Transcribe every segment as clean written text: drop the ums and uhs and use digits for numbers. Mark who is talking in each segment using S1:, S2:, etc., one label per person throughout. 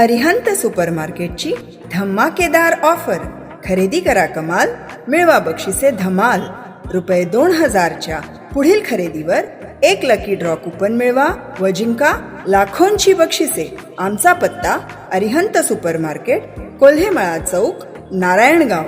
S1: अरिहंत सुपरमार्केटची धमाकेदार ऑफर. खरेदी करा कमाल, मिळवा बक्षिसे धमाल. ₹2000च्या पुढील खरेदीवर 1 लकी ड्रॉ कुपन मिळवा व जिंका लाखोंची बक्षिसे. आमचा पत्ता अरिहंत सुपरमार्केट, कोल्हेमळा चौक, नारायणगाव.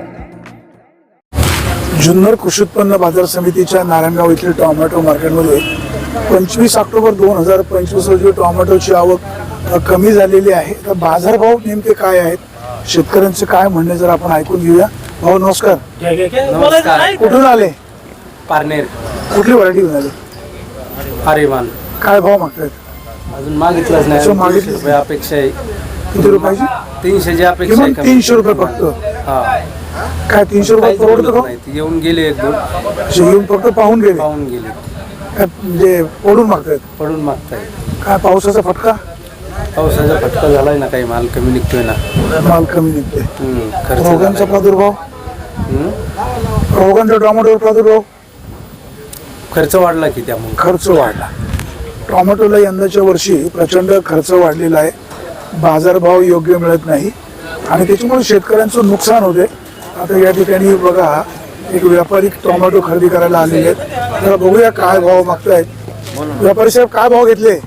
S2: जुन्नर कृषी उत्पन्न बाजार समितीच्या नारायणगाव येथील टोमॅटो मार्केटमध्ये 25 ऑक्टोबर 2025 रोजी टोमॅटोची आवक कमी झालेली आहे. तर बाजारभाव नेमके काय आहेत, शेतकऱ्यांचे काय म्हणणे जर आपण ऐकून घेऊया. भाऊ नमस्कार.
S3: नमस्कार.
S2: कुठून आले?
S3: पारनेर.
S2: कुठली व्हरायटी घेऊन आले?
S3: आर्यमान.
S2: काय भाव मागतायत?
S3: अजून मागितलंच नाही.
S2: मागितलं
S3: रुपये अपेक्षा आहे.
S2: किती रुपयाची?
S3: 300 ची अपेक्षा आहे.
S2: 300 रुपये फक्त.
S3: हा.
S2: काय 300 रुपये परवडतं का?
S3: नाही, ती येऊन गेले एक दोन
S2: येऊन फक्त पाहून गेले,
S3: गेले.
S2: म्हणजे पडून मागतायत.
S3: पडून मागताय.
S2: काय पावसाचा फटका?
S3: पावसाचा फटका झालाय ना, काही माल कमी निघतोय ना.
S2: माल कमी निघते.
S3: खर्च
S2: रोगांचा
S3: झालाय.
S2: प्रादुर्भाव, रोगांचा टोमॅटोवर प्रादुर्भाव,
S3: खर्च वाढला की त्यामुळे
S2: खर्च वाढला. टोमॅटोला यंदाच्या वर्षी प्रचंड खर्च वाढलेला आहे. बाजारभाव योग्य मिळत नाही आणि त्याच्यामुळे शेतकऱ्यांचं नुकसान होते. आता या ठिकाणी बघा, एक व्यापारी टोमॅटो खरेदी करायला आलेले आहेत. तर बघूया काय भाव मागतायत. व्यापारी साहेब काय भाव घेतले?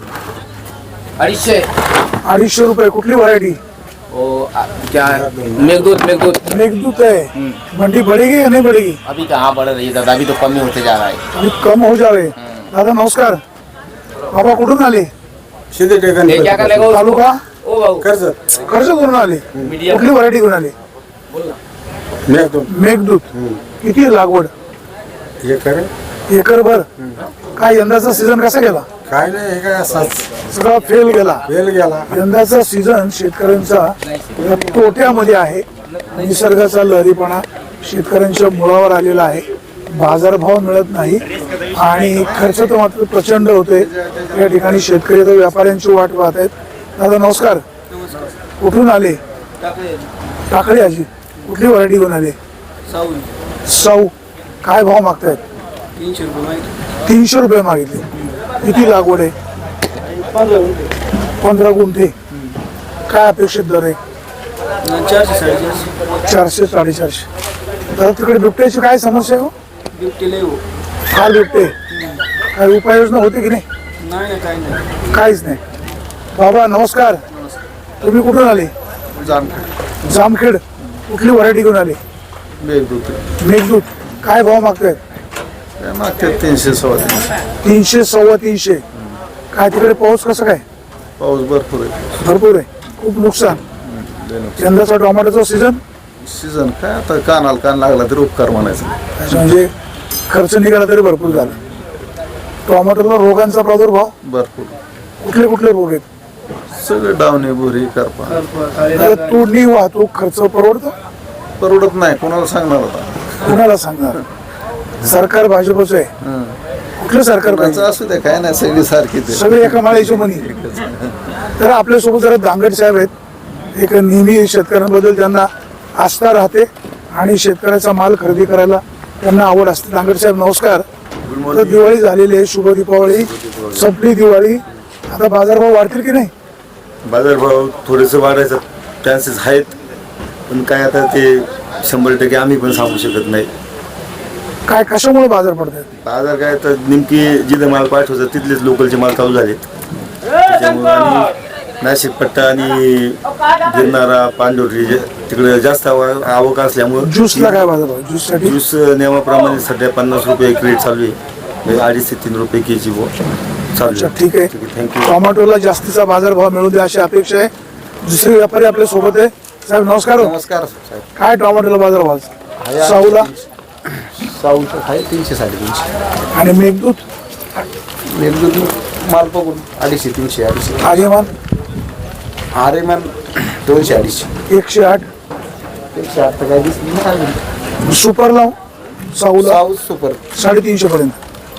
S2: 250 रुपये. कुठली व्हरायटी?
S4: क्या मेघदूत
S2: मेघदूत है. मंडी बढ़ेगी या नहीं बढ़ेगी?
S4: अभी कहाँ बढ़ रही है दादा, अभी तो कम ही होते जा रहा है.
S2: अभी कम हो जावे. दादा नमस्कार. बाबा कुठून आले?
S4: ये क्या करेगा
S2: तालुका
S4: ओ भाऊ
S2: कर्जत करून आले. कुठली व्हरायटी घेऊन आले? मेघदूत. किती आहे लागवड? एकर भर. काय यंदाचा सीझन कसा गेला?
S5: काय नाही, हे काय
S2: सगळा फेल गेला. यंदाचा सीझन शेतकऱ्यांचा तोट्यामध्ये आहे. निसर्गाचा लहरीपणा शेतकऱ्यांच्या मुळावर आलेला आहे. बाजारभाव मिळत नाही आणि खर्च तर मात्र प्रचंड होते. या ठिकाणी शेतकरी तर व्यापाऱ्यांची वाट पाहत आहेत. दादा नमस्कार. कुठून आले? टाकळी. आजी कुठली व्हरायटी घेऊन आले? साऊ. काय भाव मागतायत? 300 रुपये मागितले. किती लागवड आहे? 15 गुंठे. काय अपेक्षित दर आहे? 400 450. तर तिकडे बिबट्याची काय समस्या आहे? फार बिबटे. काय उपाययोजना होते की नाही? काहीच नाही. बाबा नमस्कार. तुम्ही कुठून आले? जामखेड. कुठली व्हरायटी घेऊन आले? मेघदूत. काय भाव मागतायत?
S5: 300
S2: 300 काय तिकडे पाऊस कसा काय?
S5: पाऊस
S2: भरपूर आहे. खूप नुकसान. यंदाचा टोमॅटोचा सीझन
S5: काय आता कान लागला तरी उपकार म्हणायचं.
S2: म्हणजे खर्च निघाला तरी भरपूर झाला. टोमॅटोला रोगांचा प्रादुर्भाव
S5: भरपूर.
S2: कुठले रोग आहेत?
S5: सगळे डावणे बोरी करपा.
S2: तोडणी वाहतूक खर्च
S5: परवडत नाही. कोणाला सांगणार होता?
S2: कुणाला सांगणार? सरकार भाजपचं आहे. कुठलं सरकार पाहिजे?
S5: असू दे, काय नाही, सगळी सारखी ते.
S2: सगळे एका माळ्याची मनी. तर आपल्यासोबत जरा दांगड साहेब आहेत. एक नेहमी शेतकऱ्यांबद्दल त्यांना आस्था राहते आणि शेतकऱ्याचा माल खरेदी करायला त्यांना आवड असते. दांगड साहेब नमस्कार. तर दिवाळी झालेली आहे, शुभ दीपावली संपली. दिवाळी आता बाजारभाव वाढतील की नाही?
S6: बाजारभाव थोडेसे वाढायचा चान्सेस आहेत, पण काय आता ते 100% आम्ही पण सांगू शकत नाही.
S2: काय कशामुळे बाजार पडतात?
S6: बाजार काय तर नेमकी जिथे माल पाठवायचा तिथलेच लोकलचे माल चालू झाले. त्याच्यामुळे आणि नाशिक पट्टा आणि गिरणारा पांढोरी तिकडे जास्त आवक असल्यामुळे
S2: ज्यूसला काय बाजारभाव? ज्यूससाठी
S6: ज्यूस नियमाप्रमाणे सध्या 50 रुपये क्रेट चालू आहे. 2.5 ते 3 रुपये केजी चालू आहे.
S2: ठीक आहे.
S6: थँक्यू.
S2: टोमॅटोला जास्तीचा बाजारभाव मिळू दे अशी अपेक्षा आहे. दुसरे व्यापारी आपल्या सोबत आहे. साहेब नमस्कार.
S5: नमस्कार साहेब.
S2: काय टोमॅटोला बाजारभाव? साऊला
S5: साऊचं आहे 300 350.
S2: आणि मेघदूत
S5: माल बघून 250 300.
S2: आर्यमान
S5: आर्यमान 200 250.
S2: 108.
S5: 108 तर काय दिसली नाही.
S2: सुपर लाव साऊला
S5: साऊ सुपर
S2: 350 पर्यंत.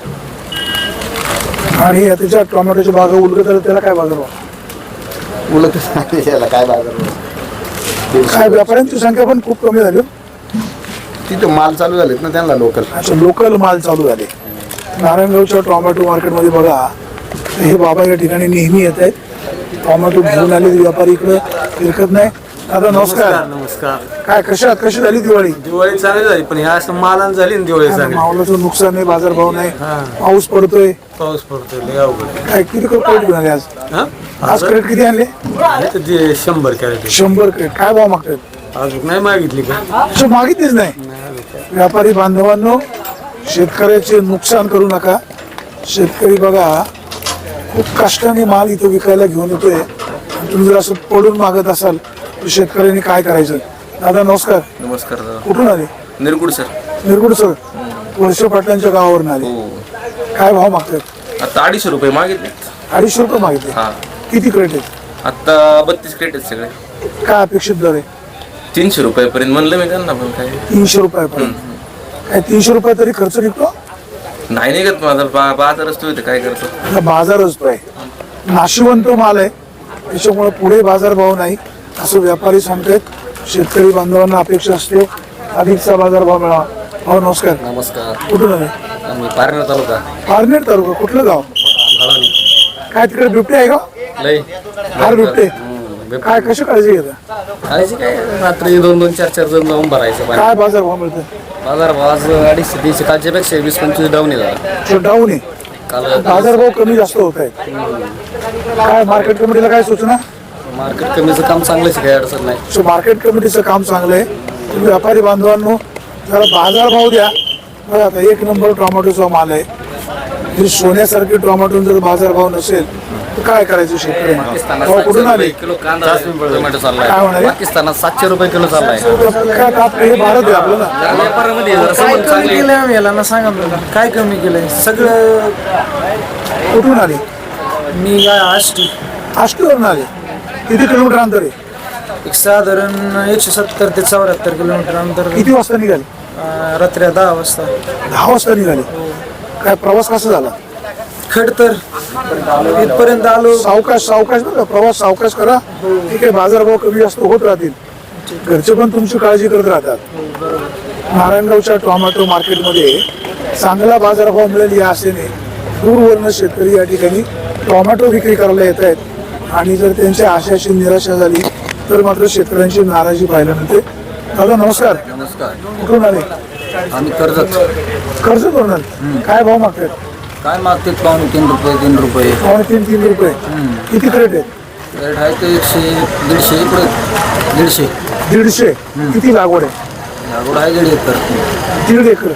S2: आणि त्याच्या टोमॅटोच्या बागा उलगत तर त्याला काय बाजारभाव?
S5: उलट याला काय बाजार?
S2: काय व्यापाऱ्यांची संख्या पण खूप कमी झाली.
S5: तिथं माल चालू झालेत ना त्यांना लोकल.
S2: अच्छा, लोकल माल चालू झाले. नारायणगावच्या टोमॅटो मार्केटमध्ये बघा, हे बाबा या ठिकाणी नेहमी येत आहेत टोमॅटो घेऊन आले व्यापारी इकडे फिरकत नाही. दादा नमस्कार.
S3: नमस्कार.
S2: काय कशी झाली दिवाळी?
S3: दिवाळी चांगली झाली पण ह्या असं मालान झाली ना दिवाळी चांगली.
S2: मावलाचं नुकसान आहे, बाजारभाव नाही, पाऊस पडतोय,
S3: पाऊस पडतोय लय अवघड.
S2: काय किती क्रेट घेऊन आले आज?
S3: हा?
S2: आज क्रेट किती आणले?
S3: इथं ते 100 कॅरेट
S2: 100 क्रेट. काय भाव मागतात?
S3: अजून नाही मागितली का?
S2: असं मागितलीच नाही. व्यापारी बांधवांनो, शेतकऱ्याचे नुकसान करू नका. शेतकरी बघा खूप कष्टाने माल इथं विकायला घेऊन येतोय. आणि तुम्ही जर असं पडून मागत असाल तर शेतकऱ्यांनी काय करायचं? दादा नमस्कार.
S4: नमस्कार दादा.
S2: कुठून आले?
S4: निरगुड सर.
S2: निरगुड सर. वर्ष पाटलांच्या गावावरून आले. काय भाव मागतात?
S4: आता 250 रुपये मागितले.
S2: 250 रुपये मागितले.
S4: हा.
S2: किती क्रेट आहेत?
S4: आता 32 क्रेट आहेत सगळे.
S2: काय अपेक्षित दर आहे?
S4: 300 रुपयापर्यंत म्हणलं मी त्यांना, पण काय
S2: 300 रुपयापर्यंत. काय 300 रुपये तरी खर्च निघतो?
S4: नाही निघत माझा बाजार असतो इथे, काय करतो.
S2: हा बाजार असतो आहे, नाशिवंत माल आहे, त्याच्यामुळे पुढे बाजारभाव नाही असं व्यापारी सांगतात. शेतकरी बांधवांना अपेक्षा असते अधिकचा बाजारभाव मिळावा. हो नमस्कार.
S3: नमस्कार.
S2: कुठून आले?
S3: आम्ही पारनेर तालुका.
S2: पारनेर तालुका. कुठलं गाव? काय तिकडे बिबटे आहे का?
S3: लय
S2: फार बिबटे. काय कशी काळजी घेता?
S3: काळजी काय रात्री 2-2, 4-4 जण जाऊन भरायचं पाणी.
S2: काय बाजारभाव मिळतो?
S3: बाजार भाव आज 250-300 कालच्या पेक्षा 20-25 डाऊन आहे.
S2: डाऊन आहे.
S3: काल
S2: बाजारभाव कमी जास्त होत आहेत. काय मार्केट कमिटीला काय सूचना?
S3: मार्केट कमीचं काम चांगलंच आहे, काही अडचण नाही.
S2: सो मार्केट कमिटीचं काम चांगलं आहे. तुम्ही व्यापारी बांधवांनो जरा बाजारभाव द्या. बघा आता 1 नंबर टोमॅटोचा माल आहे. ही सोन्यासारखी टोमॅटो जर बाजारभाव नसेल तर काय करायचं शेतकऱ्यांना? हो, कुठून आले?
S3: किलो कांदा टोमॅटो चाललाय.
S2: काय म्हणाले?
S3: पाकिस्तानात 700 रुपये किलो चाललाय.
S2: काय आपलं हे भारत आहे आपलं ना.
S3: व्यापारामध्ये जरा संबंध चांगले आहेत.
S7: याला ना सांगा मला काय कमी केलंय सगळं.
S2: कुठून आले?
S7: मी काय आष्टी
S2: आष्टीवरून आले. किती किलोमीटर अंतर आहे?
S7: एक साधारण 170 ते 74 किलोमीटर अंतर.
S2: किती वाजता निघाले?
S7: रात्री 10 वाजता.
S2: 10 वाजता निघाले. काय प्रवास कसा झाला?
S7: खडतर इथपर्यंत आलो.
S2: सावकाश सावकाश बघा, प्रवास सावकाश करा. ठीक आहे, बाजारभाव कमी जास्त होत राहतील. घरचे पण तुमची काळजी करत राहतात. नारायणगावच्या टोमॅटो मार्केटमध्ये चांगला बाजारभाव मिळेल या आशेने दूरवरनं शेतकरी या ठिकाणी टोमॅटो विक्री करायला येत आहेत. आणि जर त्यांच्या आशयाची निराशा झाली तर मात्र शेतकऱ्यांची नाराजी पाहायला मिळते. दादा नमस्कार.
S3: नमस्कार.
S2: कुठून आले?
S3: आम्ही कर्जत.
S2: कर्ज करून आले. काय भाव मागतात?
S3: काय मागते? 2.5 रुपये 3 रुपये.
S2: 3 रुपये. किती क्रेट आहेत?
S3: रेट आहे ते 100-150 इकडे 150.
S2: 150. किती लागवड आहे?
S3: लागवड आहे 1.5 एकर.
S2: 1.5 एकर.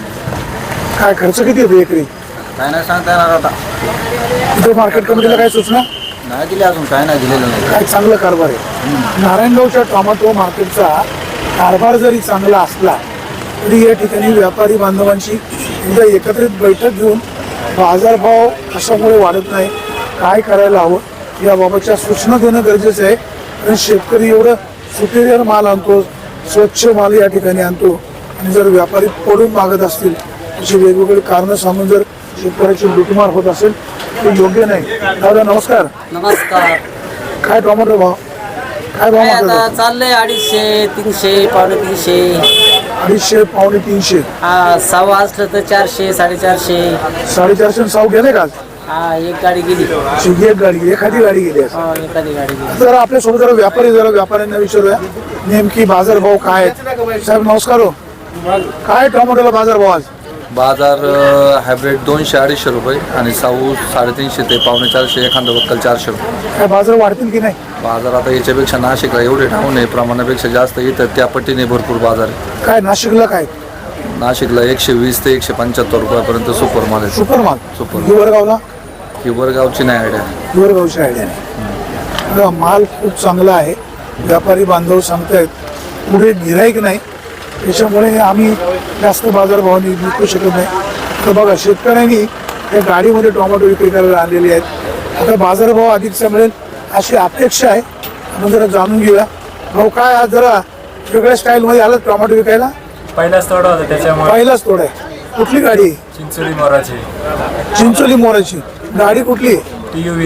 S2: काय खर्च किती येतो एकरी?
S3: काय नाही सांगता येणार आता.
S2: इथं मार्केट कमिटीला काय सूचना?
S3: नाही दिली अजून, काय नाही दिलेलं नाही.
S2: काय चांगला कारभार आहे. नारायणगावच्या टोमॅटो मार्केटचा कारभार जरी चांगला असला तरी या ठिकाणी व्यापारी बांधवांची एकदा एकत्रित बैठक घेऊन बाजारभाव कशामुळे वाढत नाही, काय करायला हवं याबाबतच्या सूचना देणं गरजेचं आहे. कारण शेतकरी एवढं सुपेरियर माल आणतो, स्वच्छ माल या ठिकाणी आणतो, आणि जर व्यापारी पडून मागत असतील अशी वेगवेगळी कारणं सांगून जर शेतकऱ्याची लुटमार होत असेल ते योग्य नाही. दादा नमस्कार.
S7: नमस्कार.
S2: काय टोमॅटो भाव? काय भाव
S7: आता
S2: मागतात?
S7: चाललंय 250, 300, 250.
S2: 250, 350.
S7: हा सव्वा असलं तर 400, 450.
S2: 450 साव गेले का आज?
S7: हा एक गाडी गेली.
S2: एक गाडी गेली, एखादी गाडी गेली आज.
S7: एखादी गाडी गेली.
S2: जरा आपल्यासोबत जरा व्यापाऱ्यांना विचारूया नेमकी बाजारभाव काय आहेत. साहेब नमस्कार. हो, काय टोमॅटोला बाजारभाव आज?
S8: बाजार हायब्रिड 200-250 रुपये आणि साऊ 350 ते 450, एखादा वक्कल 400 रुपये.
S2: काय बाजार वाढतील की नाही?
S8: बाजार आता याच्यापेक्षा नाशिकला एवढे डाऊन आहे, प्रमाणापेक्षा जास्त येतं, त्या पट्टीने भरपूर बाजार आहे.
S2: काय नाशिकला काय?
S8: नाशिकला 120 ते 175 रुपयापर्यंत सुपर माल आहे.
S2: सुपर माल.
S8: सुपर.
S2: हिवरगावला?
S8: हिवरगावची नाही आयडिया.
S2: हिवरगावची आयडिया नाही. बघा, माल खूप चांगला आहे. व्यापारी बांधव सांगतायत पुढे गिराईक नाही, त्याच्यामुळे आम्ही जास्त बाजारभावाने विकू शकत नाही. तर बघा, शेतकऱ्यांनी या गाडीमध्ये टोमॅटो विक्री करायला आणलेली आहेत. आता बाजारभाव अधिकचा मिळेल अशी अपेक्षा आहे. आपण जरा जाणून घेऊया. भाऊ काय आज जरा वेगळ्या स्टाईलमध्ये आलं टोमॅटो विकायला?
S9: पहिलाच तोडा होता त्याच्यामुळे.
S2: पहिलाच तोड आहे. कुठली गाडी?
S9: चिंचोली मोराची.
S2: चिंचोली मोराची गाडी कुठली?
S9: TUV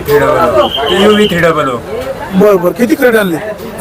S9: 300.
S2: बरं बरं. किती क्रेट आणली?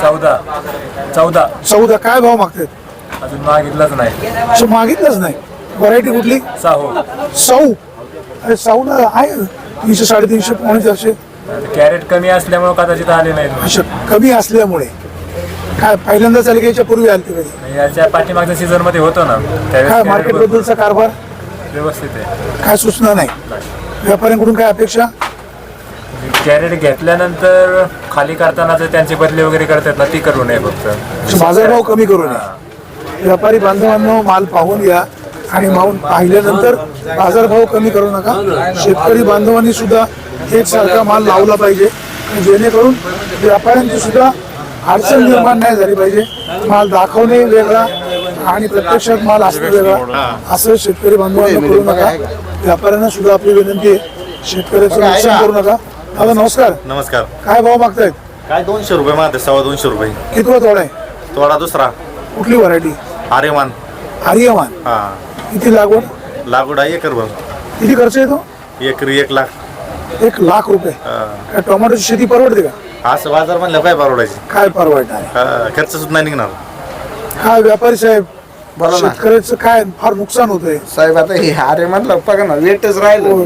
S2: 14. काय भाव मागतात?
S9: अजून मागितलंच नाही.
S2: असं मागितलंच नाही. व्हरायटी कुठली?
S9: साहू.
S2: साऊ. अरे साऊला आहे 300, 350, 450.
S9: कॅरेट कमी असल्यामुळे कदाचित आले नाहीत.
S2: अशा कमी असल्यामुळे काय पहिल्यांदाच आले की याच्या पूर्वी आले कधी?
S9: याच्या पाठीमागच्या सीझन मध्ये होतो ना
S2: काय
S9: त्यावेळेस
S2: मार्केट
S9: कॅरेट
S2: बद्दलचा कारभार
S9: व्यवस्थित आहे.
S2: काय सूचना नाही? व्यापाऱ्यांकडून काय अपेक्षा?
S9: कॅरेट घेतल्यानंतर खाली करताना जर त्यांचे बदले वगैरे करतात ना ती करू नये फक्त.
S2: बाजारभाव कमी करू नये. व्यापारी बांधवांनो माल पाहून घ्या आणि माल पाहिल्यानंतर बाजारभाव कमी करू नका. शेतकरी बांधवांनी सुद्धा एकसारखा माल लावला पाहिजे जेणेकरून व्यापाऱ्यांची सुद्धा अडचण निर्माण नाही झाली पाहिजे. माल दाखवणे वेगळा आणि प्रत्यक्षात माल असणं वेगळा असं शेतकरी बांधवांना करू नका. व्यापाऱ्यांना सुद्धा आपली विनंती आहे, शेतकऱ्याचं नुकसान करू नका. दादा नमस्कार.
S6: नमस्कार.
S2: काय भाव मागतायत?
S6: काय 200 रुपये मागते, 250 रुपये.
S2: कितवा तोडा आहे?
S6: थोडा दुसरा
S2: कुठली व्हरायटी?
S6: आर्यमान.
S2: आर्यमान.
S6: हा,
S2: किती लागवड?
S6: लागवड आहे एकर भर.
S2: किती खर्च येतो?
S6: एकरी 1 लाख.
S2: 1 लाख रुपये. काय टोमॅटोची शेती परवडते का?
S6: असं बाजार म्हणलं काय परवडायची.
S2: काय परवडणार आहे?
S6: खर्च सुद्धा नाही निघणार.
S2: काय व्यापारी साहेब
S5: बोला ना
S2: शेतकऱ्याचं काय फार नुकसान होतंय.
S5: साहेब. आता हे अरे म्हणलं बघा ना वेटच राहिलं.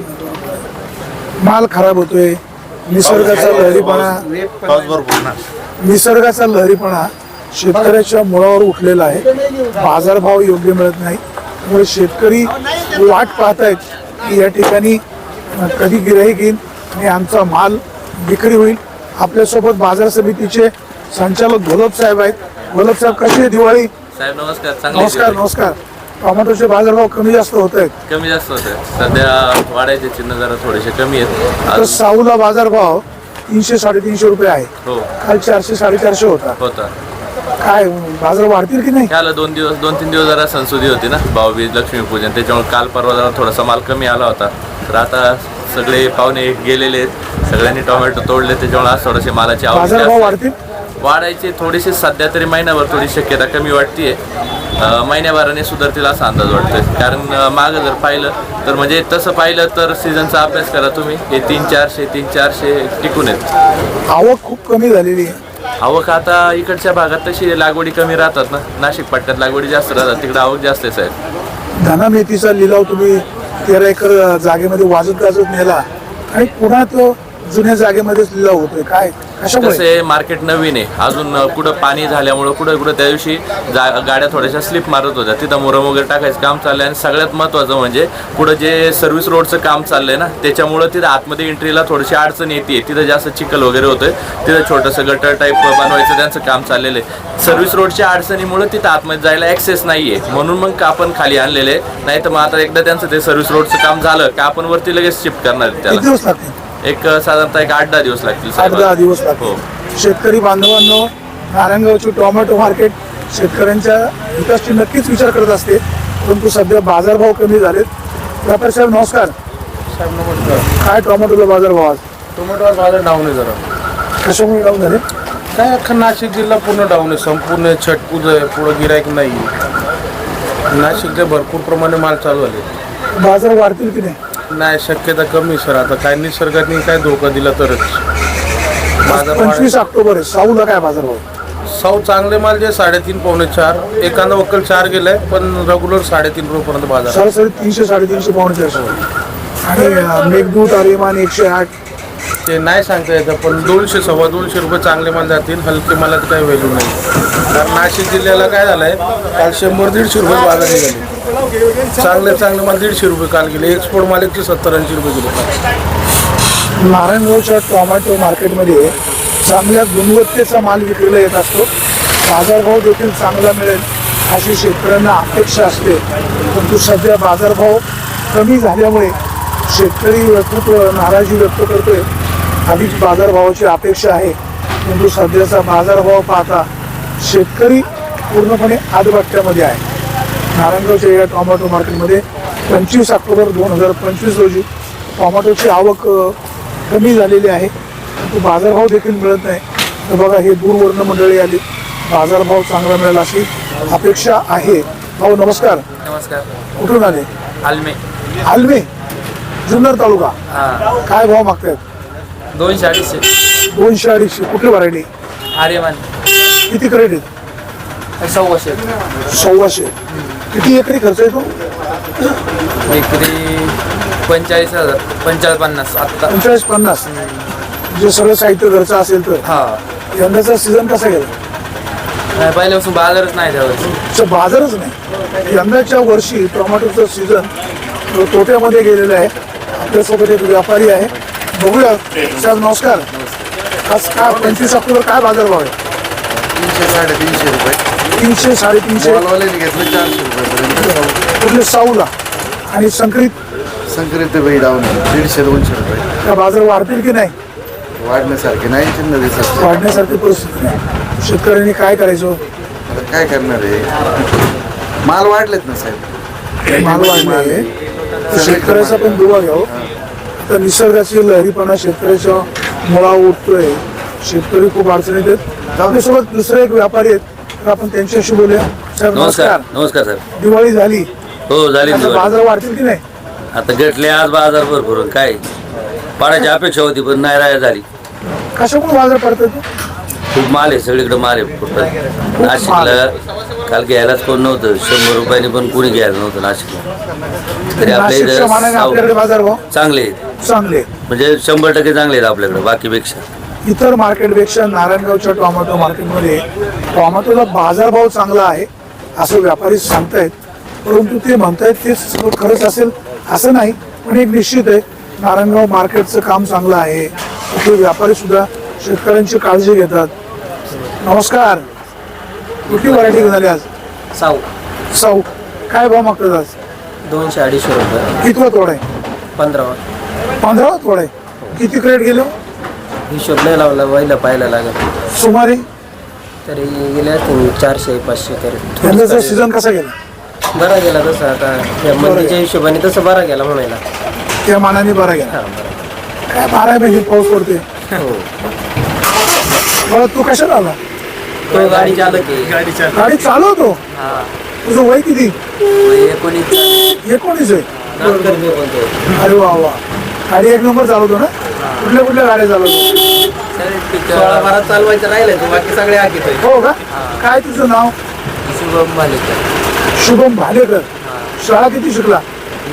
S2: माल खराब होतोय. निसर्गाचा लहरीपणा
S6: पाऊस भरपूर ना.
S2: निसर्गाचा लहरीपणा शेतकऱ्याच्या मुळावर उठलेला आहे. बाजारभाव योग्य मिळत नाही. त्यामुळे शेतकरी वाट पाहतायत की या ठिकाणी कधी गिऱ्हाईक येईल आणि आमचा माल विक्री होईल. आपल्यासोबत बाजार समितीचे संचालक घोलप साहेब आहेत. घोलप साहेब कशी आहे दिवाळी?
S8: साहेब नमस्कार.
S2: नमस्कार. नमस्कार. टोमॅटोचे बाजारभाव कमी जास्त होत आहेत.
S8: कमी जास्त होते सध्या, वाढायचे चिन्ह जरा थोडेसे कमी आहेत.
S2: तर साऊला बाजारभाव 300-350 रुपये आहे.
S8: हो
S2: काल 400-450 होता. काय बाजार वाढतील की नाही?
S8: त्याला 2-3 दिवस जरा संसुदी होती ना, भाऊबीज, लक्ष्मीपूजन, त्याच्यामुळे काल परवा जरा थोडासा माल कमी आला होता. तर आता सगळे पाहुणे गेलेले आहेत, सगळ्यांनी टोमॅटो तोडले, त्याच्यामुळे आज थोडेसे मालाची
S2: बाजारभाव
S8: आवक
S2: वाढतील?
S8: वाढायचे थोडेसे. सध्या तरी महिनाभर थोडी शक्यता कमी वाटते. महिन्याभराने सुधारतील असा अंदाज वाटतोय. कारण मागं जर पाहिलं तर म्हणजे तसं पाहिलं तर सीझनचा अभ्यास करा तुम्ही, हे 300-400 टिकून आहेत.
S2: आवक खूप कमी झालेली आहे.
S8: आवक आता इकडच्या भागात तशी लागवडी कमी राहतात ना, नाशिक पट्ट्यात लागवडी जास्त राहतात, तिकडे आवक जास्त आहे साहेब.
S2: धना मेथीचा लिलाव तुम्ही 13 एकर जागेमध्ये वाजत गाजत नेला आणि पुन्हा तो जुन्या जागेमध्येच लिलाव होतोय. काय कशामुळे?
S8: कसं आहे, मार्केट नवीन आहे अजून. कुठं पाणी झाल्यामुळं कुठं त्या दिवशी गाड्या थोड्याशा स्लिप मारत होत्या, तिथं मुरम वगैरे टाकायचं काम चाललंय. आणि सगळ्यात महत्त्वाचं म्हणजे पुढं जे सर्व्हिस रोडचं काम चाललंय ना, त्याच्यामुळं तिथं आतमध्ये एंट्रीला थोडीशी अडचण येते. तिथं जास्त चिखल वगैरे होतोय. तिथं छोटंसं गटर टाईप बनवायचं त्यांचं काम चाललेलं आहे. सर्व्हिस रोडच्या अडचणीमुळे तिथं आतमध्ये जायला ॲक्सेस नाही आहे, म्हणून मग आपण खाली आणलेले. नाही तर मग आता एकदा त्यांचं ते सर्व्हिस रोडचं काम झालं का आपण वरती लगेच शिफ्ट करणार आहे
S2: किती
S8: त्याला.
S2: दिवस लागतील?
S8: एक साधारणतः 8-10 दिवस लागतील
S2: 8-10 दिवस
S8: हो.
S2: लागतील. शेतकरी बांधवांनो, नारायणगावची टोमॅटो मार्केट शेतकऱ्यांच्या हिताची नक्कीच विचार करत असते, परंतु सध्या बाजारभाव कमी झालेत. व्यापारी साहेब नमस्कार.
S7: साहेब नमस्कार.
S2: काय टोमॅटोला बाजारभाव आज?
S7: टोमॅटोवर बाजार डाऊन आहे जरा.
S2: कशामुळे डाऊन झाले?
S7: काय अख्खा नाशिक जिल्हा पूर्ण डाऊन आहे. संपूर्ण छट पूजा आहे, पुढं गिरायक नाही. नाशिकचे भरपूर प्रमाणे माल चालू झाले.
S2: बाजार वाढतील की नाही?
S7: नाही, शक्यता कमी सर. आता काय निसर्गाने काय धोका दिला तरच बाजार
S2: 25 ऑक्टोबर आहे. साऊला काय बाजारभाव?
S7: साऊ चांगले माल जे 3.5-4, एखादा वक्कल 4 गेलाय, पण रेग्युलर 3.5 रुपयापर्यंत बाजार.
S2: सरासरी 300-350 आणि मेघदूत आर्यमान 108.
S7: ते नाही सांगता येतं, पण 200-250 रुपये चांगले माल जातील. हलके मालात काही व्हॅल्यू नाही. कारण नाशिक जिल्ह्याला काय झालंय, काल 100-150 रुपये बाजार निघाले. चांगले माल 150 रुपये काल गेले. एक्सपोर्ट माल 170-80 रुपये गेले.
S2: नारायणगावच्या टोमॅटो मार्केटमध्ये चांगल्या गुणवत्तेचा माल विक्रीला येत असतो. बाजारभाव देखील चांगला मिळेल अशी शेतकऱ्यांना अपेक्षा असते, परंतु सध्या बाजारभाव कमी झाल्यामुळे शेतकरी खूप नाराजी व्यक्त करतोय. आधीच बाजारभावाची अपेक्षा आहे, परंतु सध्याचा बाजारभाव पाहता शेतकरी पूर्णपणे आदबट्ट्यामध्ये आहे. नारायणगावच्या या टोमॅटो मार्केटमध्ये 25 ऑक्टोबर 2025 रोजी टोमॅटोची आवक कमी झालेली आहे, परंतु बाजारभाव देखील मिळत नाही. तर बघा, हे दूरवर्ण मंडळी आली, बाजारभाव चांगला मिळेल अशी अपेक्षा आहे. भाऊ नमस्कार.
S8: नमस्कार.
S2: कुठून आले?
S8: आलमे.
S2: आलमे, जुन्नर तालुका. काय भाव मागतायत?
S8: 200-250.
S2: 200-250. कुठली व्हरायटी?
S8: आर्यमान.
S2: किती क्रेट आहेत?
S8: 100.
S2: 100. किती एकरी खर्च येतो?
S8: एकरी 45,000, 45-50 आत्ता.
S2: 45-50. जे सगळं साहित्य घरचं असेल तर
S3: हा
S2: यंदाचा सीझन कसा गेला?
S3: नाही पहिल्यापासून बाजारच नाही त्यावर.
S2: बाजारच नाही. यंदाच्या वर्षी टोमॅटोचं सीझन तोट्यामध्ये गेलेलं आहे. आपल्यासोबत एक व्यापारी आहे, बघूया. साहेब नमस्कार. आज काय 25 ऑक्टोबर काय बाजारभाव आहे?
S5: 300-350 रुपये.
S2: 300-350.
S5: मॉलवाल्याने घेतलं 400 रुपये.
S2: कुठले साऊला आणि संकरित
S5: संकरित बाई डाऊन 150-200 रुपये.
S2: का बाजार वाढतील की नाही?
S5: वाढण्यासारखे नाही, चिन्ह दिसत.
S2: वाढण्यासारखी परिस्थिती नाही. शेतकऱ्यांनी काय करायचं?
S5: आता काय करणार आहे? माल वाढलेत ना साहेब.
S2: माल वाढले आहे. शेतकऱ्याचा पण दुवा घ्यावं. आता निसर्गाची लहरीपणा शेतकऱ्याच्या मुळा उठतोय. शेतकरी खूप अडचणीत आहेत. आपल्यासोबत दुसरे एक व्यापारी आहेत, तर आपण त्यांच्याशी बोलूया. साहेब नमस्कार.
S8: नमस्कार सर.
S2: दिवाळी झाली,
S8: हो झाली
S2: आता
S8: दिवाळी.
S2: बाजार वाढतील की नाही?
S8: आता घेतले आज बाजार भरपूर काय पाडायची अपेक्षा होती पण नाही राय झाली.
S2: कशाकडून बाजार पडतात?
S8: खूप माल आहे सगळीकडे माल आहे कुठं. नाशिकला काल घ्यायलाच कोण नव्हतं. 100 रुपयाने पण कुणी घ्यायला नव्हतं नाशिकला. तरी आपल्या
S2: नाशिकच्या मानाने आपल्याकडे
S8: इथं
S2: बाजार भाव
S8: चांगले आहेत,
S2: चांगले.
S8: म्हणजे 100% चांगले आहेत आपल्याकडे बाकीपेक्षा.
S2: इतर मार्केटपेक्षा नारायणगावच्या टोमॅटो मार्केटमध्ये टोमॅटोचा बाजारभाव चांगला आहे असं व्यापारी सांगतायत. परंतु ते म्हणतायत ते सगळं खरंच असेल असं नाही. पण एक निश्चित आहे, नारायणगाव मार्केटचं काम चांगलं आहे. इथे व्यापारी सुद्धा शेतकऱ्यांची काळजी घेतात. नमस्कार. कुठली व्हरायटी घेऊन आली आज?
S3: साऊ
S2: साऊ. काय भाव मागतात आज?
S3: 200-250 रुपये.
S2: कितवा तोड आहे?
S3: 15.
S2: 15वा तोड आहे. किती क्रेट गेलो
S3: हिशोब नाही लावला, पहिला पाहायला लागत.
S2: सुमारे?
S3: तरी गेले असतील 400-500 तरी.
S2: यंदाचा सीझन कसा गेला?
S3: बरा गेला तसं. आता या मंदीच्या हिशोबाने तसं बरा गेला म्हणायला.
S2: त्या मानाने बरा गेला. काय 12 महिने पाऊस पडते.
S3: हो.
S2: मला तू कशाला आला?
S3: तो गाडी चालक आहे.
S2: गाडी चालवतो. तुझं वय किती? 19 आहे. अरे वा वा. गाडी एक नंबर चालवतो ना? कुठल्या गाड्या चालवतो?
S3: 16-12 चालवायचं राहिलं, बाकी सगळे आखित आहे.
S2: हो का? काय तुझं नाव?
S3: शुभम भालेकर.
S2: शुभम भालेकर. शाळा किती शिकला?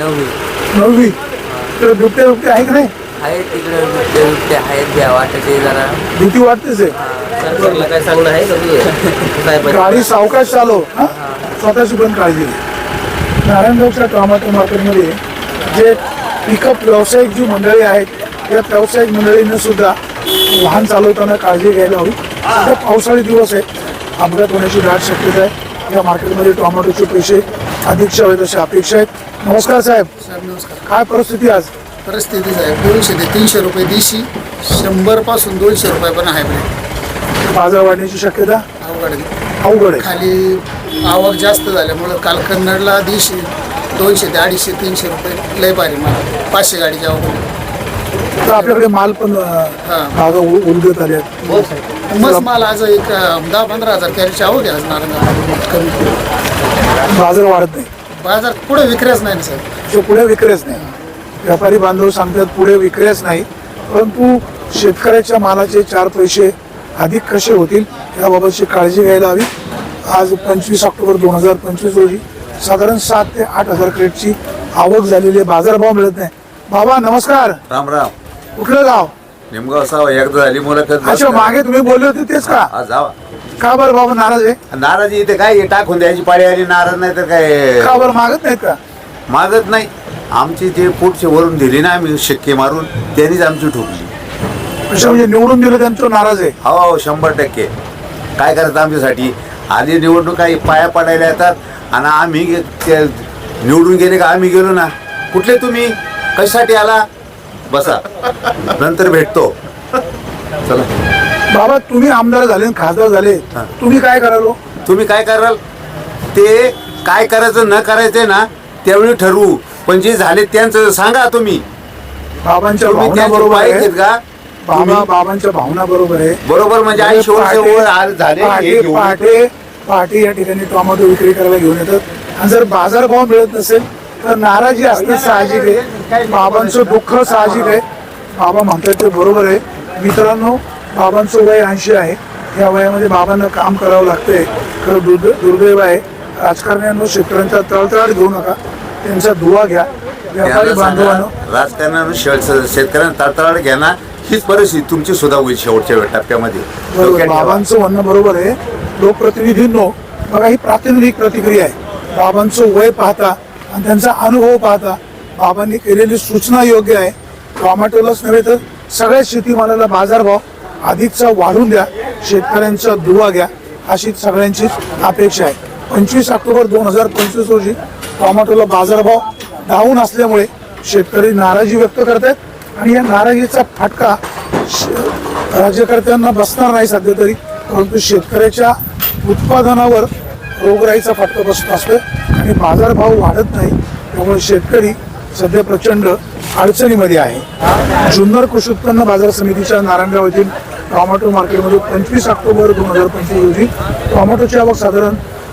S2: 9वी. तर बिबटे आहे की नाही?
S3: आहेत तिकडे बिबटे आहेत, द्या वाटते जरा.
S2: भीती वाटतेच आहे.
S3: सरकारला काय सांगणं आहे का?
S2: गाडी सावकाश चालव. स्वतःची पण काळजी घे. नारायणगावच्या टोमॅटो मार्केटमध्ये जे पिकअप व्यावसायिक जी मंडळी आहेत, या व्यावसायिक मंडळीनं सुद्धा वाहन चालवताना काळजी घ्यायला हवी. सध्या पावसाळी दिवस आहे, अपघात होण्याची दाट शक्यता आहे. या मार्केटमध्ये टोमॅटोचे पैसे अधिकचे हवेत अशी अपेक्षा आहेत. नमस्कार साहेब.
S5: नमस्कार.
S2: काय परिस्थिती आज?
S5: परिस्थिती साहेब 200 ते 300 रुपये देशी, 100 पासून 200 रुपये पण आहे.
S2: बाजार वाढण्याची शक्यता
S5: अवघड आहे.
S2: अवघड आहे.
S5: खाली आवक जास्त झाल्यामुळं काल कन्नडला देशी 200 ते 250-300 रुपये लय भारी मला 500 गाडीची आवक.
S2: तर आपल्याकडे माल पण बागा उलगत आले आहेत.
S5: मस्त माल आज एक 10-15 हजार कॅरीची आवक आहे आज नारायणगाव. कमी
S2: बाजार वाढत नाही.
S5: बाजार पुढे विक्रेच नाही ना सर.
S2: जो पुढे विक्रेच नाही. व्यापारी बांधव सांगतात पुढे विक्रेच नाही. परंतु शेतकऱ्याच्या मालाचे 4 पैसे अधिक कसे होतील याबाबतची काळजी घ्यायला हवी. आज 25 ऑक्टोबर 2025 रोजी साधारण 7 ते 8 हजार क्रेटची आवक झालेली आहे. बाजारभाव मिळत नाही. बाबा नमस्कार.
S6: राम राम.
S2: कुठलं गाव?
S6: निमगाव साव एकदा झाली मुलाखत.
S2: अच्छा, मागे तुम्ही बोलले होते तेच का?
S6: जावा.
S2: का बरं बाबा नाराज आहे?
S6: नाराजी इथे काय टाकून द्यायची पाळी आली. नाराज नाही तर काय
S2: का बरं मागत नाहीत का?
S6: मागत नाही. आमची जे पुढचे वरून दिली ना आम्ही शिक्के मारून, त्यांनीच आमची ठोकली.
S2: अच्छा, म्हणजे निवडून दिलं त्यांचं नाराज आहे?
S6: हो 100%. काय करायचं आमच्यासाठी? आधी निवडणूक काही पाया पडायला येतात आणि आम्ही निवडून गेले का आम्ही गेलो ना. कुठले तुम्ही? कशासाठी आला? बसा, नंतर भेटतो. चला.
S2: बाबा तुम्ही आमदार झाले आणि खासदार झाले, तुम्ही काय करालो?
S6: तुम्ही काय कराल ते काय करायचं न करायचंय ना त्यावेळी ठरवू. पण जे झाले त्यांचं सांगा तुम्ही.
S2: बाबांच्या भावना बरोबर आहे
S6: का?
S2: बाबांच्या भावना बरोबर आहे.
S6: बरोबर म्हणजे आई झाले.
S2: पहाटे या ठिकाणी टोमॅटो विक्री करायला घेऊन येतात. आणि जर बाजारभाव मिळत नसेल तर नाराजी असणे साहजिक आहे. बाबांचं दुःख साहजिक आहे. बाबा म्हणतात ते बरोबर आहे. मित्रांनो, बाबांचं वय 80 आहे. या वयामध्ये बाबांना काम करावं लागतंय. खरं दुर्दैव आहे. राजकारण्यांवर शेतकऱ्यांचा तळतळाट घेऊ नका. त्यांचा दुवा घ्या. व्यापारी बांधवांनो,
S10: राजकारणानं शेतकऱ्यांना तळतळाट घेणार हीच परिस्थिती तुमची सुद्धा होईल शेवटच्या टप्प्यामध्ये.
S2: बरोबर, बाबांचं म्हणणं बरोबर आहे. लोकप्रतिनिधींनो, बघा ही प्रातिनिधिक प्रतिक्रिया आहे. बाबांचं वय पाहता आणि त्यांचा अनुभव पाहता बाबांनी केलेली सूचना योग्य आहे. टोमॅटोलाच नव्हे तर सगळ्या शेतीमालाला बाजारभाव अधिकचा वाढून द्या, शेतकऱ्यांचा दुवा घ्या, अशी सगळ्यांची अपेक्षा आहे. 25 ऑक्टोबर 2025 रोजी टोमॅटोला बाजारभाव डाऊन असल्यामुळे शेतकरी नाराजी व्यक्त करतात आणि या नाराजीचा फटका राज्यकर्त्यांना बसणार नाही सध्या तरी, परंतु शेतकऱ्याच्या उत्पादनावर रोगराईचा फटका बसत असतो आणि बाजारभाव वाढत नाही. त्यामुळे शेतकरी सध्या प्रचंड अडचणीमध्ये आहे. जुन्नर कृषी उत्पन्न बाजार समितीच्या नारायणगाव येथील टोमॅटो मार्केटमध्ये 25 ऑक्टोबर 2025 रोजी टोमॅटोची आवक साधारण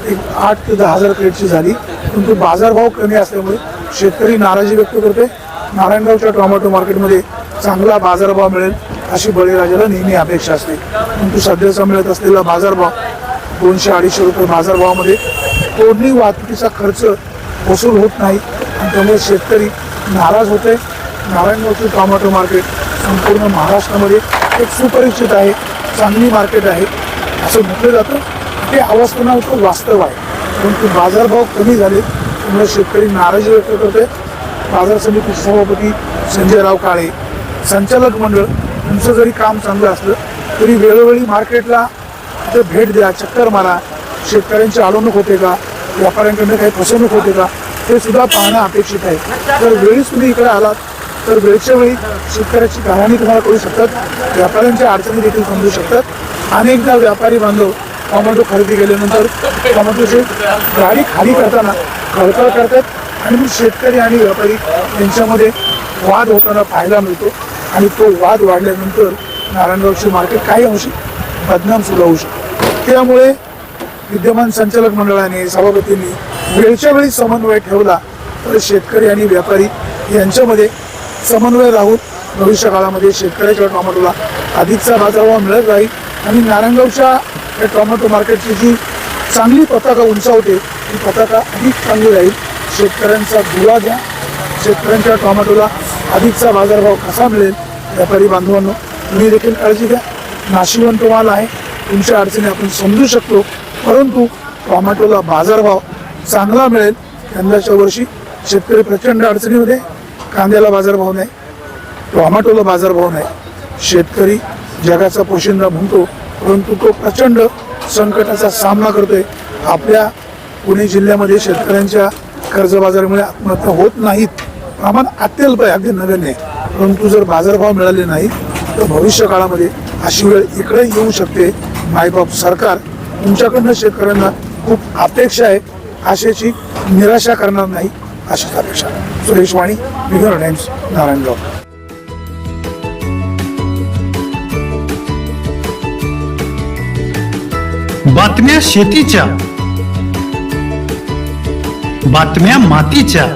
S2: 8 ते 10 हजार क्रेटची झाली, परंतु बाजारभाव कमी असल्यामुळे शेतकरी नाराजी व्यक्त करते. नारायणगावच्या टोमॅटो मार्केटमध्ये चांगला बाजारभाव मिळेल अशी बळीराजाला नेहमी अपेक्षा असते, परंतु सध्याचा मिळत असलेला बाजारभाव 200-250 रुपये बाजारभावामध्ये तोडणी वाहतुकीचा खर्च वसूल होत नाही आणि त्यामुळे शेतकरी नाराज होते. नारायणगावचे टोमॅटो मार्केट संपूर्ण महाराष्ट्रामध्ये एक सुपरिचित आहे, चांगली मार्केट आहे असं म्हटलं जातं. ते अवस्थानाचं वास्तव आहे, परंतु बाजारभाव कमी झाले त्यामुळे शेतकरी नाराजी व्यक्त करते. बाजार समितीचे सभापती संजयराव काळे, संचालक मंडळ तुमचं जरी काम चांगलं असलं तरी वेळोवेळी मार्केटला तिथे भेट द्या, चक्कर मारा. शेतकऱ्यांची अडवणूक होते का, व्यापाऱ्यांकडनं काही फसवणूक होते का, हे सुद्धा पाहणं अपेक्षित आहे. जर वेळीच तुम्ही इकडे आलात तर वेळच्या वेळी शेतकऱ्याची कहाणी तुम्हाला कळू शकतात, व्यापाऱ्यांच्या अडचणी देखील समजू शकतात. अनेकदा व्यापारी बांधव टोमॅटो खरेदी केल्यानंतर टोमॅटोची गाडी खाली करताना खळखळ करतात आणि मग शेतकरी आणि व्यापारी यांच्यामध्ये वाद होताना पाहायला मिळतो आणि तो वाद वाढल्यानंतर नारायणगावची मार्केट काही अंशी बदनाम सुद्धा होऊ शकतो. त्यामुळे विद्यमान संचालक मंडळाने, सभापतींनी वेळच्या वेळी समन्वय ठेवला तर शेतकरी आणि व्यापारी यांच्यामध्ये समन्वय राहून भविष्य काळामध्ये शेतकऱ्याच्या टोमॅटोला अधिकचा बाजारभाव मिळत राहील आणि नारायणगावच्या या टोमॅटो मार्केटची जी चांगली पताका उंचावते ती पताका अधिक चांगली राहील. शेतकऱ्यांचा दुवा घ्या, शेतकऱ्यांच्या टोमॅटोला अधिकचा बाजारभाव कसा मिळेल. व्यापारी बांधवांनो, तुम्ही देखील काळजी घ्या. नाशिवंत माल आहे, तुमच्या अडचणी आपण समजू शकतो, परंतु टोमॅटोला बाजारभाव चांगला मिळेल. यंदाच्या वर्षी शेतकरी प्रचंड अडचणीमध्ये, कांद्याला बाजारभाव नाही, टोमॅटोला बाजारभाव नाही. शेतकरी जगाचा पोशिंदा म्हणतो, परंतु तो प्रचंड संकटाचा सामना करतोय. आपल्या पुणे जिल्ह्यामध्ये शेतकऱ्यांच्या कर्जबाजारामुळे आत्महत्या होत नाहीत, प्रमाण अत्यल्प आहे, अगदी नगण्य आहे. परंतु जर बाजारभाव मिळाले नाही तर भविष्य काळामध्ये अशी वेळ इकडे येऊ शकते. मायबाप सरकार तुमच्याकडनं शेतकऱ्यांना खूप अपेक्षा आहे, आशेची निराशा करणार नाही अशीच अपेक्षा. सुरेश वाणी, विघ्न टाइम्स, नारायणगाव.
S11: बातम्या शेतीच्या, बातम्या मातीच्या,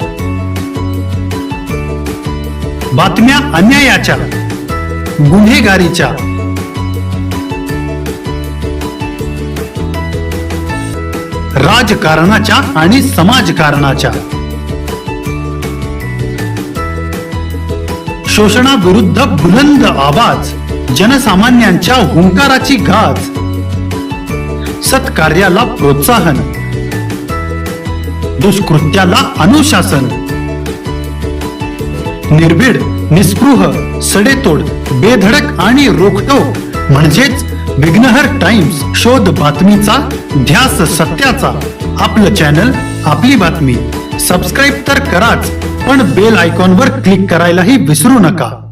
S11: बातम्या अन्यायाच्या, गुन्हेगारीच्या, राजकारणाच्या आणि समाजकारणाच्या, शोषणाविरुद्ध बुलंद आवाज, जनसामान्यांच्या हुंकाराची गाज, सत्कार्याला प्रोत्साहन, दुष्कृत्याला अनुशासन, निर्भीड, निस्पृह, सडेतोड, बेधडक आणि रोखटोक म्हणजेच विघ्नहर टाइम्स. शोध बातमीचा, ध्यास सत्याचा. आपलं चॅनल, आपली बातमी. सबस्क्राईब तर कराच, पण बेल आयकॉनवर क्लिक करायलाही विसरू नका.